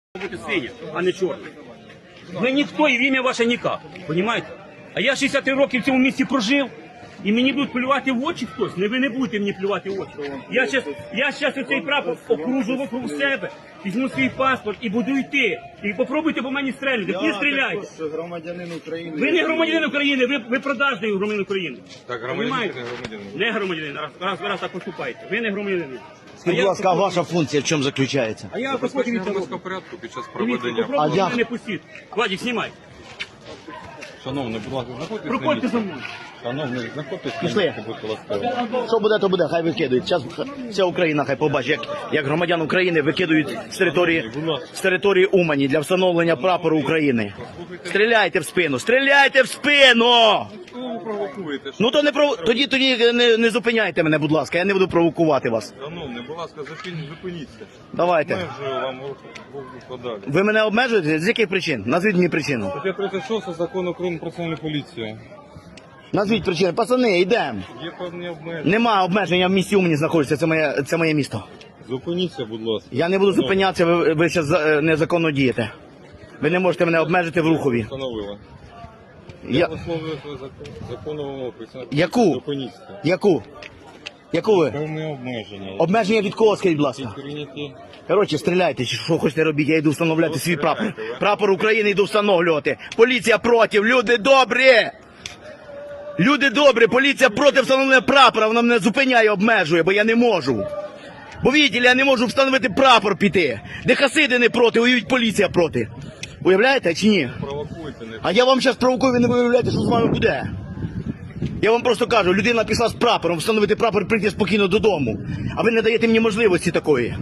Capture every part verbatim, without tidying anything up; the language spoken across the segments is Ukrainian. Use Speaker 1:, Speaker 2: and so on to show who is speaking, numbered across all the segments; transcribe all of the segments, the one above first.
Speaker 1: бути синя, а не чорна. Ви ніхто і в ім'я ваше ніяк, розумієте? А я шістдесят три роки в цьому місті прожив, і мені будуть плювати в очі хтось. Не ви не будете мені плювати в очі. Я зараз я щас оцей прапор окружу вокруг себе, візьму свій паспорт і буду йти. І попробуйте по мені стрельнути. Не стріляйте.
Speaker 2: Громадянин України.
Speaker 1: Ви не громадянин України, ви, ви продажний громадянин України.
Speaker 3: Так, громадянин, не громадянин.
Speaker 1: Не громадянин, раз, раз, раз так поступаєте. Ви не громадянин.
Speaker 2: Скажіть, будь ласка, а ваша функція в чому заключається?
Speaker 1: А я потім
Speaker 3: Забезпечення
Speaker 1: від
Speaker 3: громадського порядку під час
Speaker 1: Дивіться,
Speaker 3: проведення.
Speaker 1: попробуйте
Speaker 2: А
Speaker 1: мене
Speaker 2: я-
Speaker 1: не пустіть. Владик, знімай.
Speaker 3: Шановний, будь ласка, знаходьтесь на
Speaker 1: Проходьте
Speaker 3: місці.
Speaker 1: за мною.
Speaker 3: Шановний, знаходьтесь на
Speaker 2: Пішли.
Speaker 3: місці, будь ласка.
Speaker 2: Що буде, то буде, хай викидують. Зараз вся Україна хай побачить, як, як громадян України викидують з території, з території Умані для встановлення прапору України. Стріляйте в спину, стріляйте в спину!
Speaker 3: Кого ви провокуєте?
Speaker 2: Ну то не пров... тоді, тоді не, не зупиняйте мене, будь ласка, я не буду провокувати вас.
Speaker 3: Шановний, будь ласка, зупиніть, зупиніться.
Speaker 2: Давайте.
Speaker 3: Межую вам руку подалі.
Speaker 2: Ви мене обмежуєте? З яких причин? Назвіть мені причину.
Speaker 3: Стаття тридцять шість Закону України про національну поліцію.
Speaker 2: Назвіть причини. Пацани, йдемо.
Speaker 3: Є певні обмеження.
Speaker 2: Нема обмеження в місті Умані знаходиться, це моє, це моє місто.
Speaker 3: Зупиніться, будь ласка.
Speaker 2: Я не буду зупинятися, ви, ви зараз незаконно дієте. Ви не можете мене обмежити в рухові.
Speaker 3: Встановила. Я
Speaker 2: Я...
Speaker 3: висловлюю свою закон- законну вимогу.
Speaker 2: Яку?
Speaker 3: Зупиніться.
Speaker 2: Яку? Яку ви?
Speaker 3: Певні обмеження.
Speaker 2: Обмеження від кого, скажіть, будь ласка?
Speaker 3: Прийняті.
Speaker 2: Коротше, стріляйте, чи що хочете робити, я йду встановляти свій прапор. Прапор України йду встановлювати. Поліція проти, люди добрі! Люди добрі, поліція проти встановлення прапора, вона мене зупиняє, обмежує, бо я не можу. Бо видите, я не можу встановити прапор піти. Де хасиди не проти, уявіть, поліція проти. Уявляєте чи ні?
Speaker 3: Провокуйте, не
Speaker 2: А я вам зараз провокую, ви не виявляєте, що з вами буде. Я вам просто кажу, людина пішла з прапором, встановити прапор, прийти спокійно додому. А ви не даєте мені можливості такої.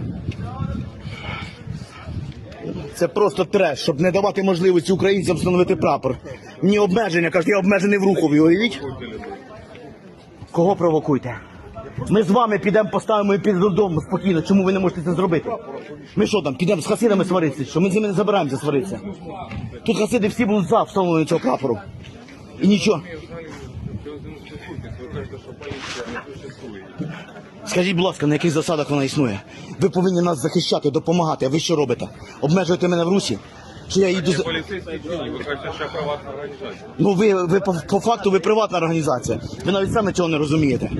Speaker 2: Це просто треш, щоб не давати можливості українцям встановити прапор. Мені обмеження, кажуть, я обмежений в рухові, уявіть? Кого провокуйте? Ми з вами підемо, поставимо і підемо додому спокійно. Чому ви не можете це зробити? Ми що там, підемо з хасидами сваритися? Що ми з ними не забираємося сваритися? Тут хасиди всі будуть за встановлення цього прапору. І нічого.
Speaker 3: Ви кажете, що поліція не существує.
Speaker 2: Скажіть, будь ласка, на яких засадах вона існує? Ви повинні нас захищати, допомагати, а ви що робите? Обмежуєте мене в русі? Що я їду
Speaker 3: Є
Speaker 2: за...
Speaker 3: поліцейські дії, ви кажете, що я приватна організація.
Speaker 2: Ну ви, ви по, по факту ви приватна організація. Ви навіть самі цього не розумієте.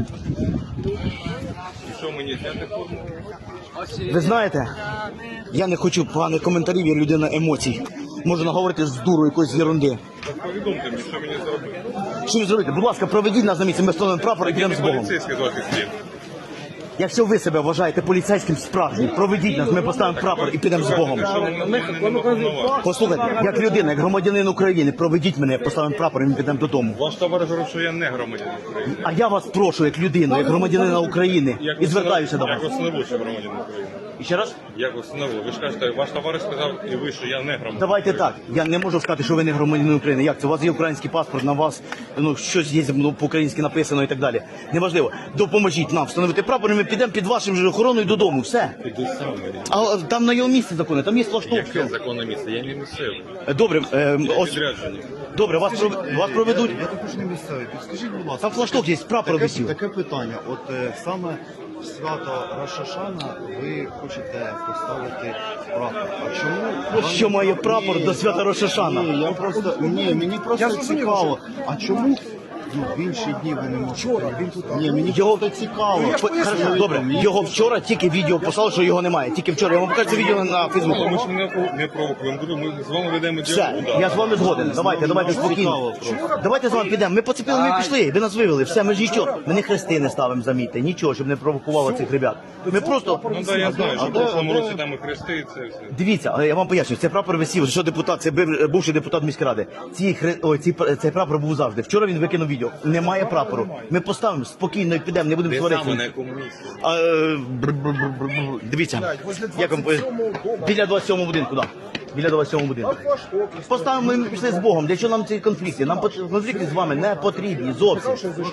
Speaker 3: І що мені зняти форму?
Speaker 2: Ви знаєте, я не хочу поганих коментарів, я людина емоцій. Можу наговорити з дуру якоїсь ерунди.
Speaker 3: Так повідомте мені, що мені зробити.
Speaker 2: Що ви зробите? Будь ласка, проведіть нас на місце, ми встановимо прапор і підемо з Богом.
Speaker 3: Поліцейський з ваших слів.
Speaker 2: Якщо ви себе вважаєте поліцейським справжнім, проведіть нас, ми поставимо прапор і підемо з Богом.
Speaker 3: Що ви не повноважені.
Speaker 2: Послухайте, як людина, як громадянин України, проведіть мене, поставимо прапор і ми підемо додому.
Speaker 3: Ваш товариш говорить, що я не громадянин України.
Speaker 2: А я вас прошу, як людину, як громадянина України, і звертаюся до
Speaker 3: Як
Speaker 2: вас.
Speaker 3: ви встановили, що громадянин України?
Speaker 2: І ще раз?
Speaker 3: Як ви встановили? Ви ж кажете, ваш товариш сказав і ви, що я не громадянин.
Speaker 2: Давайте
Speaker 3: України.
Speaker 2: так, я не можу сказати, що ви не громадянин України. Як це? У вас є український паспорт, на вас ну, щось є ну, по-українськи написано і так далі. Неважливо. Допоможіть нам встановити прапор, і ми підемо під вашим же охороною додому. Все.
Speaker 3: Піду сам.
Speaker 2: А там на його місці закони, там є флашток.
Speaker 3: Яке законне місце? Я не місцевий.
Speaker 2: Добре, е, ось,
Speaker 3: Підряджені.
Speaker 2: добре, вас, пров- вас проведуть.
Speaker 4: Я також не місцевий. Підскажіть, будь ласка,
Speaker 2: Там флашток є, прапор
Speaker 4: таке,
Speaker 2: висів.
Speaker 4: таке питання. От е, саме в свято Рошашана ви хочете поставити прапор. А чому
Speaker 2: Що має прапор до свята Рошашана?
Speaker 4: Ні, я просто ні, мені просто цікаво. А чому ну, в інші дні ви не можете? Він тут ні, мені
Speaker 2: Його
Speaker 4: просто цікаво.
Speaker 2: По- Хорошо, добре, його вчора тільки відео послали, що його немає. Тільки вчора. Я вам покажу це відео на
Speaker 3: Ми
Speaker 2: Фейсбуку.
Speaker 3: ж не, не провокуємо. Говорю, Ми з вами ведемо
Speaker 2: Все,
Speaker 3: діалог.
Speaker 2: я з вами згоден. Давайте, давайте спокійно. Давайте з вами підемо. Ми поцепили, ми пішли. Ви нас вивели. Все, ми ж нічого. Ми не хрести не ставимо, замітьте. Нічого, щоб не провокувало цих ребят. Ми просто...
Speaker 3: Ну так, я знаю, що в прошлому році там і хрести, і це все.
Speaker 2: Дивіться, але я вам поясню, це прапор висів, що депутат, це бив- бувший депутат міськради. Ці, хре- ой, ці, цей прапор був завжди. Вчора він викинув відео. Немає прапору. Ми поставимо спокійно і підемо, не будемо
Speaker 3: Де саме, на
Speaker 2: сваритися.
Speaker 3: якому місці?
Speaker 2: А, е, бр-бр-бр-бр-бр. Дивіться, як вам по- біля двадцять сьомого будинку, так. Біля двадцять сьомого будинку. Поставимо, ми пішли з Богом. Для чого нам ці конфлікти? Нам пот- конфлікти з вами не потрібні зовсім.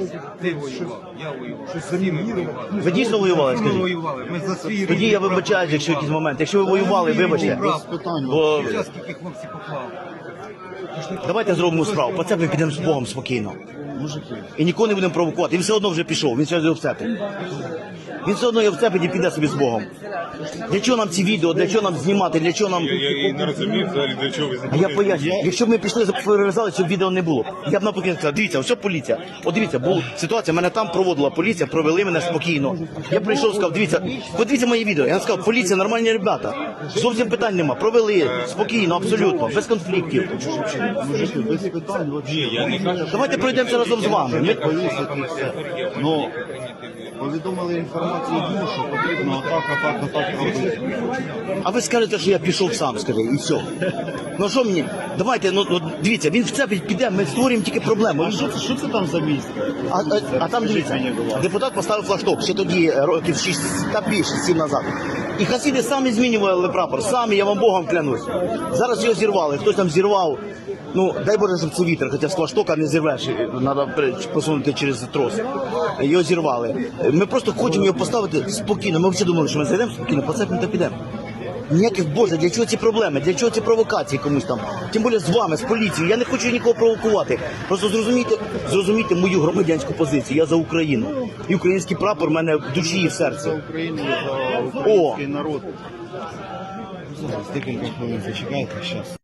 Speaker 2: Ви дійсно воювали, скажіть? Тоді я вибачаюсь, якщо якийсь момент. Якщо ви воювали, вибачте. Бо... Давайте зробимо справу. По це ми підемо з Богом спокійно. І нікого не будемо провокувати. Він все одно вже пішов, він ще не обцепить. Він все одно його вцепить і піде собі з Богом. Для чого нам ці відео, для чого нам знімати, для чого нам...
Speaker 3: Я, я і не розумію взагалі, для чого ви
Speaker 2: А я
Speaker 3: знімаєте.
Speaker 2: поясню, якщо б ми пішли, перерізали, щоб відео не було. Я б навпаки сказав, дивіться, ось поліція. От дивіться, була ситуація, мене там проводила поліція, провели мене спокійно. Я прийшов, сказав, дивіться, подивіться мої відео. Я сказав, поліція, нормальні ребята. Зовсім питань нема. Провели спокійно, абсолютно, без конфліктів.
Speaker 4: Мужики, без питань вообще.
Speaker 3: Ні, я не кажу,
Speaker 2: Давайте пройдемося разом з вами. Ні?
Speaker 4: Повісити і все. Ну, повідомили інформацію, дну, що потрібно отак, отак, отак робити.
Speaker 2: А ви скажете, що я пішов сам, скажи, і все. Ну що мені? Давайте, ну, ну дивіться, він в це піде, ми створюємо тільки проблему.
Speaker 4: А що це, що це там за місце?
Speaker 2: А, а, а там дивіться, депутат поставив флагшток ще тоді е, років шість та більше, сім назад. І хасіди самі змінювали прапор, самі, я вам Богом клянусь. Зараз його зірвали, хтось там зірвав. Ну, дай Боже, щоб це вітер, хоча з флагштока не зірвеш, треба посунути через трос. Його зірвали. Ми просто хочемо його поставити спокійно. Ми всі думали, що ми зайдемо спокійно, поцепимо та підемо. Ніяких, Боже, для чого ці проблеми, для чого ці провокації комусь там? Тим більше з вами, з поліцією. Я не хочу нікого провокувати. Просто зрозумійте, зрозумійте мою громадянську позицію. Я за Україну. І український прапор в мене в душі і в серці.
Speaker 4: За Україну, за український народ. Зараз декілька хвилин зачекайте, зараз.